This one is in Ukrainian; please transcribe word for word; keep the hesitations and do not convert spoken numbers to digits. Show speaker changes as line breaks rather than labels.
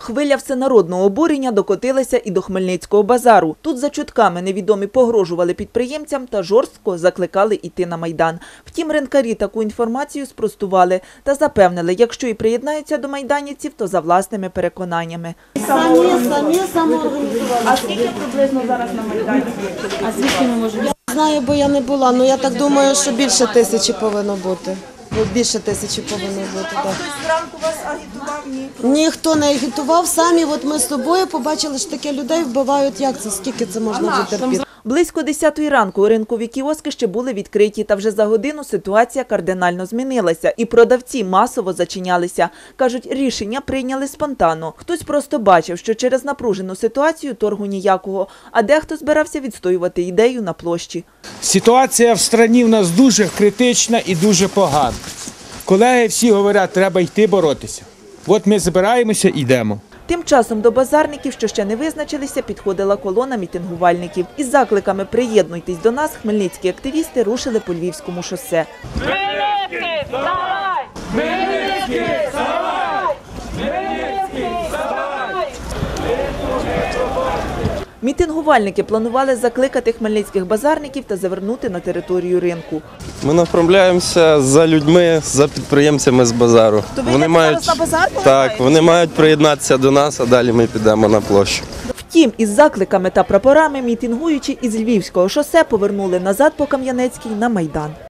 Хвиля всенародного обурення докотилася і до Хмельницького базару. Тут за чутками невідомі погрожували підприємцям та жорстко закликали йти на Майдан. Втім, ринкарі таку інформацію спростували та запевнили, якщо і приєднаються до майданівців, то за власними переконаннями.
Самі, самі самоорганізували.
А скільки приблизно зараз на Майдані?
А звідки ми можемо? Я знаю, бо я не була, але я так думаю, що більше тисячі повинно бути. Більше тисячі повинно бути, так.
Хтось зранку вас агітував? Ні.
Ніхто не агітував, самі от ми з собою побачили, що таке людей вбивають. Як це? Скільки це можна вже терпіти?
Близько десятої ранку ринкові кіоски ще були відкриті, та вже за годину ситуація кардинально змінилася, і продавці масово зачинялися. Кажуть, рішення прийняли спонтанно. Хтось просто бачив, що через напружену ситуацію торгу ніякого, а дехто збирався відстоювати ідею на площі.
Ситуація в країні в нас дуже критична і дуже погана. Колеги всі говорять, треба йти боротися. От ми збираємося і йдемо.
Тим часом до базарників, що ще не визначилися, підходила колона мітингувальників. Із закликами «Приєднуйтесь до нас» хмельницькі активісти рушили по Львівському шосе.
Хмельницький, вставай! Хмельницький, вставай! Хмельницький, вставай!
Мітингувальники планували закликати хмельницьких базарників та завернути на територію ринку.
Ми направляємося за людьми, за підприємцями з базару.
То ви вони мають на базар?
Так, вони мають приєднатися до нас, а далі ми підемо на площу.
Втім, із закликами та прапорами мітингуючі із Львівського шосе повернули назад по Кам'янецькій на Майдан.